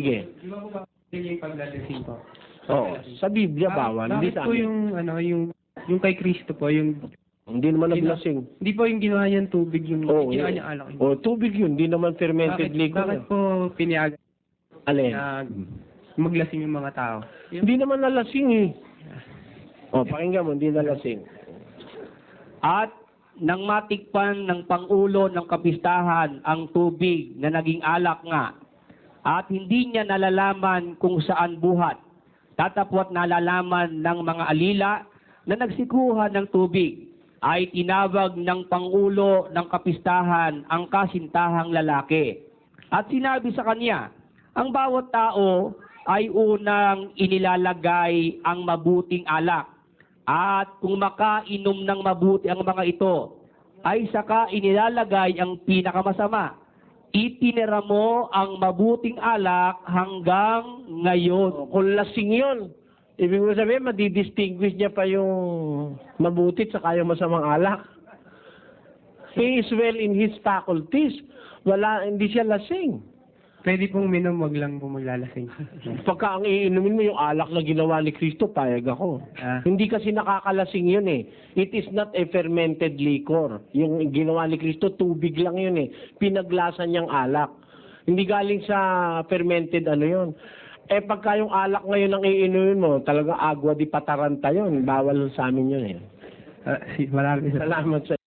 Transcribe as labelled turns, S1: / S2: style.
S1: Sige.
S2: Di ba po ba yung paglalasing po?
S1: Oo. Sa Biblia, bawal. Hindi
S2: Bakit
S1: sa
S2: po
S1: amin.
S2: yung, ano, yung kay Kristo po, yung,
S1: Hindi naman naglasing.
S2: hindi po yung ginawa niyang tubig, yung ginawa niya alak.
S1: Oo, tubig yun. Hindi naman fermented liquor.
S2: Bakit po pinayagan
S1: Alin?
S2: na maglasing yung mga tao?
S1: Hindi naman nalasing eh. O, pakinggan mo, hindi nalasing.
S3: At nang matikpan ng pangulo ng kapistahan ang tubig na naging alak nga, at hindi niya nalalaman kung saan buhat, tatapwat nalalaman ng mga alila na nagsikuhan ng tubig, ay tinawag ng pangulo ng kapistahan ang kasintahang lalaki. At sinabi sa kanya, ang bawat tao ay unang inilalagay ang mabuting alak. At kung makainom ng mabuti ang mga ito, ay saka inilalagay ang pinakamasama. Itinira mo ang mabuting alak hanggang ngayon.
S1: Kung lasing yun, ibig mo sabihin, madidistinguish niya pa yung mabuti at saka yung masamang alak. He is well in his faculties. Hindi siya lasing.
S2: Pwede pong minom, wag lang po maglalasing.
S1: Pagka ang iinumin mo yung alak na ginawa ni Kristo, payag ako. Hindi kasi nakakalasing yun eh. It is not a fermented liquor. Yung ginawa ni Kristo, tubig lang yun eh. Pinaglasa niyang alak. Hindi galing sa fermented ano yun. Eh pagka yung alak ngayon ang iinumin mo, talagang agua di pataranta yun. Bawal sa amin yun eh.
S2: Maraming
S1: Salamat sa